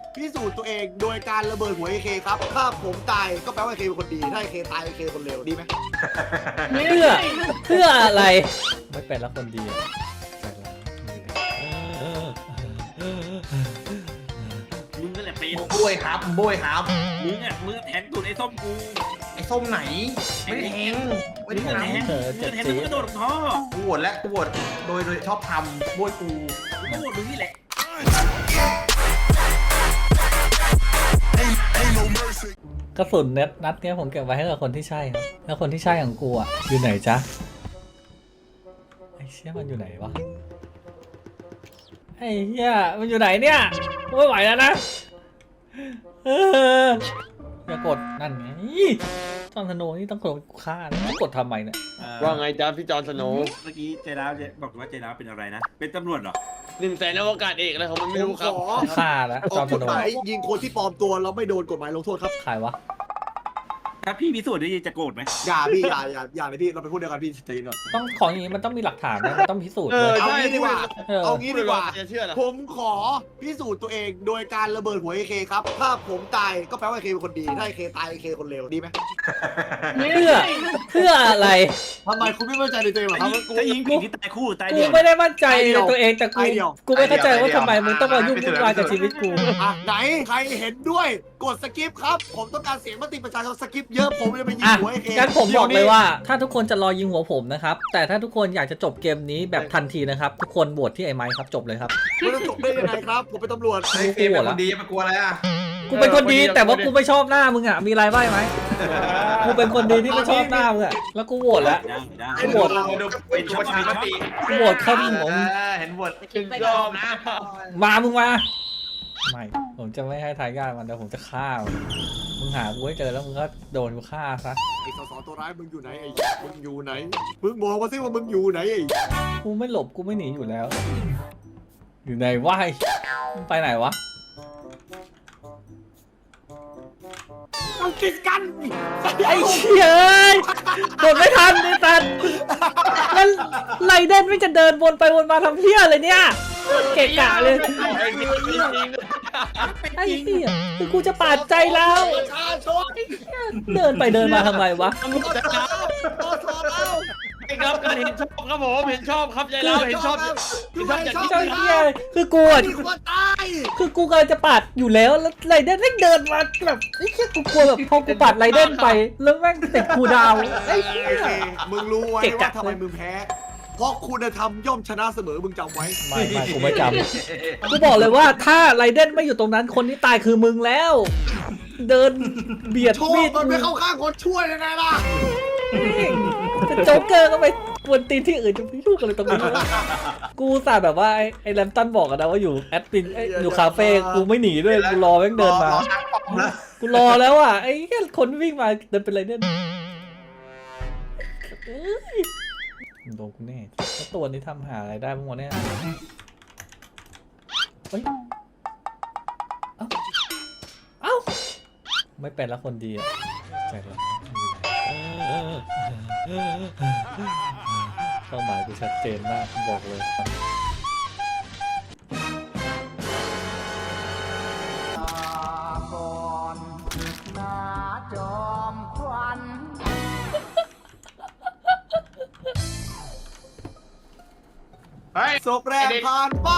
พิสูจน์ตัวเองโดยการระเบิดหัวเอเคครับถ้าผมตายก็แปลว่าเอเคเป็นคนดีถ้าเอเคตายเอเคคนเลวดีไหมเพื่ออะไรไม่เป็นแล้วคนดีอะมึงนั่นแหละเป็นโบยครับโบยครับมึงแทงตูดไอ้ส้มกูไอ้ส้มไหนไม่ได้แทงไม่มึได้งแทงทำมึงแทงมึงกระโดดลงท่อกูโหวตแล้วกูโหวตโดยชอบทำโบยกูมึงก็โดดมึงนี่แหละกระสุนนัดเนี้ยผมเก็บไว้ให้กับคนที่ใช่ครับแล้วคนที่ใช่ของกูอ่ะอยู่ไหนจ๊ะไอ้เชี่ยมันอยู่ไหนวะไอ้เหี้ยมันอยู่ไหนเนี่ยไม่ไหวแล้วนะอย่ากดนั่นไงจอห์นสโนว์นี่ต้องกดฆ่านะกดทำไมเนี่ยว่าไงจ๊ะพี่จอห์นสโนว์เมื่อกี้ใจร้าวบอกว่าใจร้าวเป็นอะไรนะ เป็นตำรวจเหรอ 100,000อวกาศเอกอะไรของมันไม่รู้ครับฆ่าแล้วอจออห์กนสกฎโนหว์มายยิงคนที่ปลอมตัวแล้วไม่โดนกฎหมายลงโทษครับใครวะถ้าพี่พิสูจน์ได้จะโกรธไหมอย่าพี่อย่าเลยพี่เราไปพูดเดียวกันพี่ใจเย็นก่อนต้องของอย่างนี้มันต้องมีหลักฐานนะมันต้องพิสูจน์เอเลอยเอางี้ดีกว่าเออเอางี้ดีกว่าจะเชื่อเหรอผมขอพิสูจน์ตัวเองโดยการระเบิดหัวเอเคครับถ้าผมตายก็แปลว่าเอเคเป็นคนดีถ้าเอเคตายเอเคคนเลวดีไหมเพื่ออะไรทำไมคุณไม่มั่นใจในตัวเองเหรอครับถ้ายิงผิดที่ตายคู่ตายกูเดียวไม่ได้มั่นใจในตัวเองแต่ไอเดียวกูไม่เข้าใจว่าทำไมมึงต้องมายุ่งวุ่นวายกับชีวิตกูอ่ะไหนใครเห็นด้วยกดสกิปครับผมต้องการเสียงมติประชาชนสกิปเยอะผมจะไปยิงอ่ะหัวเอเคงั้นผมบอกเลยว่า ถ้าทุกคนจะรอยิงหัวผมนะครับแต่ถ้าทุกคนอยากจะจบเกมนี้แบบทันทีนะครับทุกคนโหวตที่ไอ้ไม้ครับจบเลยครับไม่ต้องจบได้ยังไงครับผมเป็นตำรวจไอ้ฟิล์มเป็นคนดีจะไปกลัวอะไรอ่ะกูเป็นคนดีแต่ว่ากูไม่ชอบหน้ามึงอ่ะมีอะไรบ้างไหมกูเป็นคนดีที่ไม่ชอบหน้ามึงอ่ะแล้วกูโหวตแล้วได้กูโหวตดูเป็นประชามติกูโหวตเข้าที่หัวมึงเห็นโหวตถึงยอมนะมึงมาไม่ผมจะไม่ให้ทายาทมันแต่ผมจะฆ่ามึงหากูให้เจอแล้วมึงก็โดนกูฆ่าซะไอ้สสตัวร้ายมึงอยู่ไหนไอ้มึงอยู่ไหนมึงบอกมาสิว่ามึงอยู่ไหนไอ้กูไม่หลบกูไม่หนีอยู่แล้ว อยู่ไหนวะมึงไปไหนวะมันติดกันไอ้เชี่ยกดไม่ทันไอ้สัตว์แล้วไรเดนไม่จะเดินวนไปวนมาทำเพี้ยอะไรเนี่ยเกะกะเลยไอ้เหี้ยคือกูจะปาดใจแล้วประชาชนเดินไปเดินมาทำไมวะตำรวจแล้วตำรวจแล้วครับการเห็นชอบครับผมเห็นชอบครับใจเราเห็นชอบเจ้าเหี้ยคือกูอ่ะมีคนตายคือกูกำลังจะปาดอยู่แล้วไรเดนแม่งเดินมาแบบไอ้เหี้ยกูกลัวแบบพอกูปาดไรเดนไปแล้วแม่งติดกูดาวไอ้เหี้ยโอเคมึงรู้ไว้เกะกะว่าทำไมมึงแพ้เพราะคุณธรรมย่อมชนะเสมอมึงจำไว้ไม่กูไม่จำกูบอกเลยว่าถ้าไรเดนไม่อยู่ตรงนั้นคนที่ตายคือมึงแล้ว เดินเบียดโชคมีดมันไม่เข้าข้างคนช่วยยังไงล่ะจะโจ๊กเกอร์ก็ไปกวนตีนที่อื่นจะไม่รู้กันเลยตรงนี้วะกูอุตสาห์แบบว่าไอ้แรมตันบอกกันนะว่าอยู่แอดมินอยู่คาเฟ่กูไม่หนีด้วยกูรอแม่งเดินมา กูรอแล้วอ่ะไอ้แค่คนวิ่งมาเดินเป็นไรเดนเอ้ยโดนกูแน่แล้วตัวนี้ทำหาอะไรได้บ้างวะเนี่ยเฮ้ยเอ้าไม่เป็นแล้วคนดีอ่ะใจร้ายเป้าหมายกูชัดเจนมากบอกเลยศพแรกผ่านไป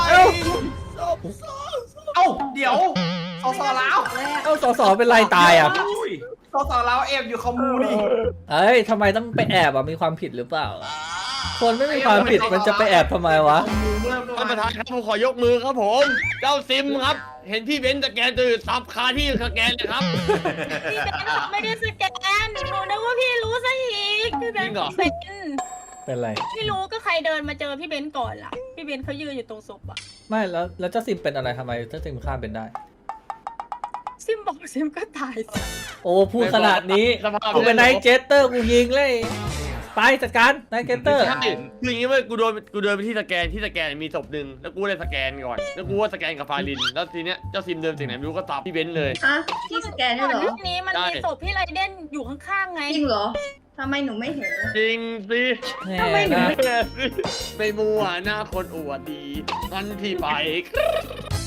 เอ้าเดี๋ยวสสลาวเอ้าสอเป็นไรตายอ่ะสสลาวเอฟอยู่คอมมูนี่เอ้ยทำไมต้องไปแอบอ่ะมีความผิดหรือเปล่า คนไม่มีความผิดมันจะไปแอบทำไมวะท่านประธานครับผมขอยกมือครับผมเจ้าซิมครับ เห็นพี่เบนซ์สแกนตื่นซับคาที่สแกนเลยครับพี่เบนซ์ไม่ได้สแกนหนูนึกว่าพี่รู้ซะอีกพี่เบนซ์เป็นเป็นไรไม่รู้ก็ใครเดินมาเจอพี่เบนซ์ก่อนล่ะพี่เบนซ์เขายืนอยู่ตรงศพอะไม่แล้วเจ้าซิมเป็นอะไรทำไมเจ้าซิมฆ่าเป็นได้ซิมบอกซิมก็ตายสิโอ้พูดขนาดนี้สภาพกูเป็นไนท์เจสเตอร์กูยิงเลยไปจัดการไนท์เจสเตอร์ใช่คืออย่างงี้เว้ยกูเดินไปที่สแกนมีศพหนึ่งแล้วกูเลยสแกนก่อนแล้วกูว่าสแกนกับฟาลินแล้วทีเนี้ยเจ้าซิมเดินจากไหนไม่รู้ก็ตับพี่เบนซ์เลยฮะที่สแกนก่ได้อนเหรหอน้านี้มันมีศพพี่ไรเดนอยู่ข้างๆไงจริงเหรอทำไมหนูไม่เห็นจริงสิแน่นะไม่มัวหน้าคนอวดดีทันที่ไป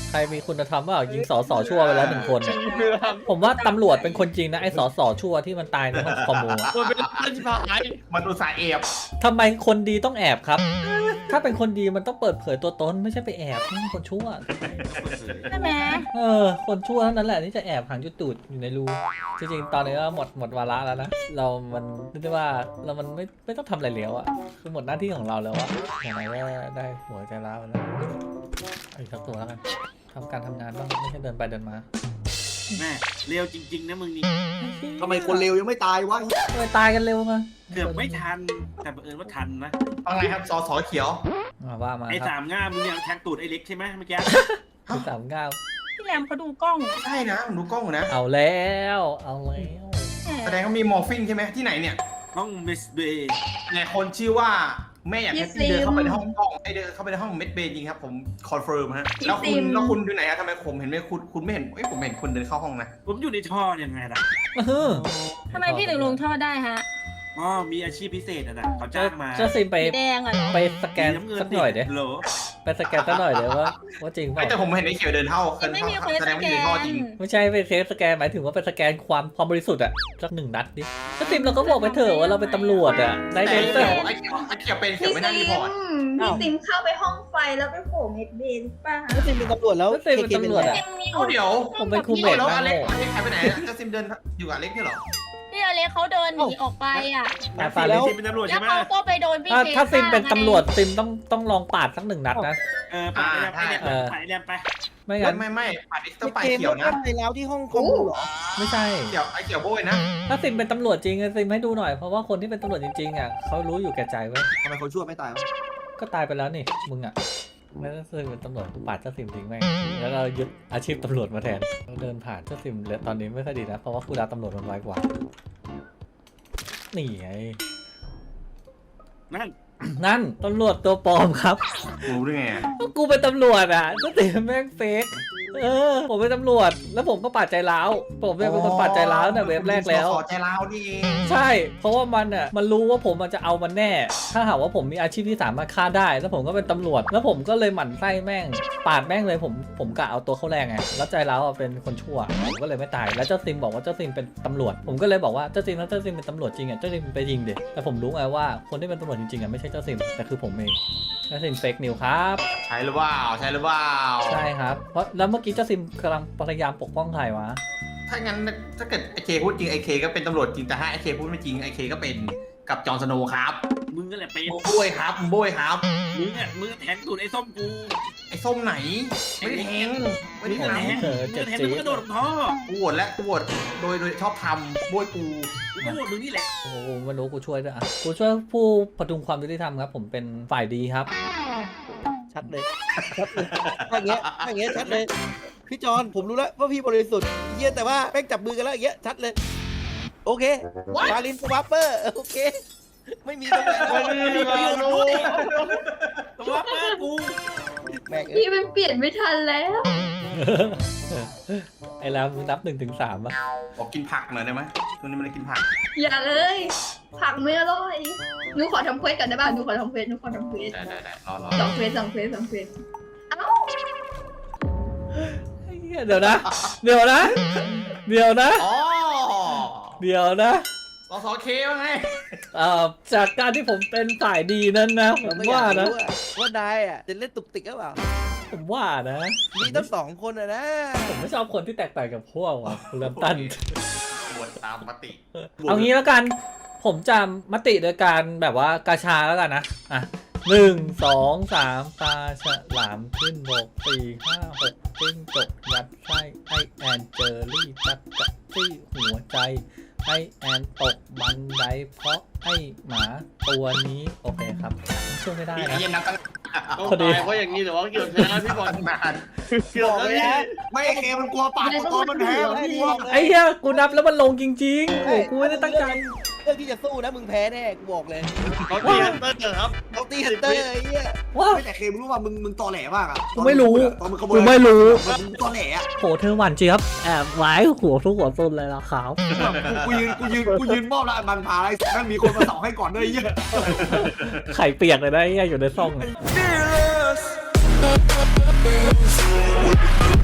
ใครมีคุณธรรมว่ายิงสอชั่วไปแล้ว1 คนเนี่ยผมว่าตำรวจเป็นคนจริงนะไอ้สอชั่วที่มันตายในห้องคอมมูอะมันเป็นเรื่องที่พายมันอุตส่าห์แอบทำไมคนดีต้องแอบครับ ถ้าเป็นคนดีมันต้องเปิดเผยตัวตนไม่ใช่ไปแอบนี่มันคนชั่วใช่ไหมคนชั่วเท่านั้นแหละที่จะแอบหางจุดตูดอยู่ในรูจริงๆตอนนี้ก็หมดวาระแล้วนะมันเรียกได้ว่าเรามันไม่ต้องทำอะไรแล้วอะคือหมดหน้าที่ของเราแล้วอะอย่างไรก็ได้หัวใจร้าวแล้วเอาอีกสักตัวแล้วกันทำการทำงานบ้างไม่ใช่เดินไปเดินมาแม่เร็วจริงๆนะมึงนี่ทำไมคนเลวยังไม่ตายวะทำไมตายกันเร็วมาเกือบไม่ทันแต่บังเอิญว่าทันนะฟังไงครับสเขียวว่ามาไอ้ครับสามง่ามมึงยังแทงตูดไอ้เล็กใช่ไหมเมื่อกี้คือสามก้าวพี่แรมเขาดูกล้องใช่นะผมดูกล้องอยู่นะเอาแล้วเอาแล้วแสดงเขามีมอร์ฟินใช่ไหมที่ไหนเนี่ยห้องมิสเบย์ไงคนชื่อว่าแม่อยากให้พี่เดินเข้าไปในห้องกล้องไอเดินเข้าไปในห้องเม็ดเบย์จริงครับผมคอนเฟิร์มฮะแล้วคุณอยู่ไหนฮะทำไมผมเห็นไม่คุณไม่เห็นผมเห็นคุณเดินเข้าห้องนะผมอยู่ในท่อยังไงล่ะทำไมพี่ถึงลงท่อได้ฮะอ๋อมีอาชีพพิเศษอ่ะนะเขาจ้างมาจะซิมไปสีแดงอ่ะเหรอไปสแกนสักหน่อยเด้โหลไปสแกนสักหน่อยเดี๋ยวว่าจริงเปล่าแต่ผมเห็นไอ้เขียวเดินเข้ายังไม่มีเควสแสดสงว่าแกอยู่ในท่อน จริงไม่ใช่ไปเซฟสแกนหมายถึงว่าไปสแกนความบริสุทธิ์อะสัก1 นัดดิจะซิมเราก็บอกไปเถอะว่าเราเป็นตำรวจอะได้แต่เดนไอ้เซอเขีร์ยวไอ้เขียวเป็นเขียวไม่น่ารีพอร์ตพี่ซิมเข้าไปห้องไฟแล้วไปโผล่เม็ดเบนป่ะก็ซิมเป็นตำรวจแล้วก็ซิมเป็นตำรวจอะยังมีเดี๋ยวผมเป็นครูเมทแล้วนะอเล็กโง่หายไปไหนจะซิมเดินอยู่กับอเล็กใช่เหรอพี่อเล็กเขาเดินหนีออกไปอ่ะแต่ฟาฟาแล้ลิวสเป็นตำรวจแล้ใช่วไหมเขาก็ไปโดนพี่ถ้าซิมเป็นฆ่าไงตำรวจซิมต้องลองปาดสัก1 นัดนะไปแลมไปไม่งั้นไม่ปัดอีกต้องไปเกมเขียวนะไปแล้วที่ห้องคอมมูเหรอไม่ใช่เขียวไอ้เขียวโบยนะถ้าซิมเป็นตำรวจจริงซิมให้ดูหน่อยเพราะว่าคนที่เป็นตำรวจจริงๆอะเขารู้อยู่แก่ใจไว้ยทำไมคนชั่วไม่ตายวะก็ตายไปแล้วนี่มึงอะไม่ได้ซิมเป็นตำรวจกูปาดเจ้าซิมทิ้งแม่งแล้วเรายึดอาชีพตำรวจมาแทนเราเดินผ่านเจ้าซิมเลยตอนนี้ไม่ค่อยดีนะเพราะว่าคูลดาวน์ตำรวจมันไวกว่านี่ไงนั่นนั่นตำรวจตัวปลอมครับรู้ได้ไงกูเป็นตำรวจอ่ะก็ติแม่งเฟกผมเป็นตำรวจแล้วผมก็ปาดใจร้าวผมเนี่ยเป็นคนปาดใจร้าวแต่เว็บแรกแล้วขอใจร้าวนี่เองใช่เพราะว่ามันรู้ว่าผมจะเอามันแน่ ถ้าหากว่าผมมีอาชีพที่สามารถฆ่าได้แล้วผมก็เป็นตำรวจแล้วผมก็เลยหมั่นไส้แม่งปาดแม่งเลยผมกะเอาตัวเข้าแรงไงแล้วใจร้าวเป็นคนชั่วผมก็เลยไม่ตายแล้วเจ้าซิมบอกว่าเจ้าซิมเป็นตำรวจผมก็เลยบอกว่าเจ้าซิมถ้าเจ้าซิมเป็นตำรวจจริงอ่ะเจ้าซิมไปยิงเด็กแต่ผมรู้ไงว่าคนที่เป็นตำรวจจริงๆอ่ะไม่ใช่เจ้าซิมแต่คือผมเองเจ้าซิมเฟกนิวครับใช่หรือเปล่าใช่หรือเปล่าใช่ครับเพราะแล้วเมื่อกี้เจ้าซิมกำลังพยายามปกป้องใครวะถ้างั้นถ้าเกิดไอเคพูดจริงไอเคก็เป็นตำรวจจริงแต่ถ้าไอเคพูดไม่จริงไอเคก็เป็นกับจอห์นสโนว์ครับมึงก็แหละเป็นโบยครับโบยครับมึงแทงตูดไอ้ส้มกูไอส้มไหนไม่ได้แทงไม่ได้มึงทแทงเจ็บแทงจี๊มึงดก็โดดท่อำกูโหวตและกูโหวตโดยชอบทำโบยกูกูก็โหวตมึงนี่แหละโอ้โหไม่รู้กูช่วยด้วยอ่ะกูช่วยผู้ประดุงความยุติธรรมครับผมเป็นฝ่ายดีครับชัดเลยชัดเลยถ้าอย่างเงี้ยชัดเลยพี่จอนผมรู้แล้วว่าพี่บริสุทธิ์เยี่ยแต่ว่าแม่งจับมือกันแล้วอย่างเงี้ยชัดเลยโอเคฟาลินสวัปเปอร์โอเคไม่มีตรงไหนตัวเปิดกูแม่งพี่มันเปลี่ยนไม่ทันแล้วไอ้แล้วมึงนับ1 ถึง 3อ่ะบอกกินผักหน่อยได้ไหมตรงนี้มันได้กินผักอย่าเลยผักไม่อร่อยหนูขอทำเควสกันได้ป่ะหนูขอทำเควสได้รอสองเควสเอ้าเดี๋ยวนะเดี๋ยวนะอ๋อเดี๋ยวนะสเคว่าไงจากการที่ผมเป็นฝ่ายดีนั้นนะผมว่านะว่านายอ่ะจะเล่นตุกติกหรือเปล่าผมว่านะมีตั้ง2 คนอะนะผมไม่ชอบคนที่แตกต่างกับพวกว่ะคุณลำตันโหวตตามปฏิเอางี้แล้วกัน ผมจะมติโดยการแบบว่ากาชาแล้วกันนะ อ่ะ 1 2 3 ตาฉลามขึ้นบก4 5 6จิ้งจกยัดไส้ไอแอนเจอรี่จัดจัดที่หัวใจไอแอนตกบันไดเพราะไอหมาตัวนี้โอเคครับช่วยไม่ได้ไอ้นะเย็นนักกันต้องพอดีตายเพราะอย่างนี้หรือว่าเกี่ยวชนะพี่บอลนานเกี่ยวแล้วนี่ไม่ไอเคมันกลัวปาดตอนมันแพ้มันกลัวไอ้เหี้ยกูนับแล้วมันลงจริงๆโอ้กูไม่ได้ตั้งใจเรื่องที่จะสู้นะมึงแพ้แน่กูบอกเลยเขาตีฮันเตอร์เหรอครับต้องตีฮันเตอร์ไอ้เหี้ยว้าไม่แต่เคมึงรู้ว่ามึงตอแหลมากอะกูไม่รู้ตอนมึงขโมกูยไม่รู้มึงตอแหลอะโหเธอหวานเจี๊ยบแอบไว้หัวทุกหัวต้นเลยล่ะครับกูยืนมอบแล้วมันพาอะไรนั่นมีคนมาสองให้ก่อนด้วยไอ้เหี้ยไข่เปียกเลยนะไอ้เหี้ยอยู่ในซ่องอะ fearless We'll be right back.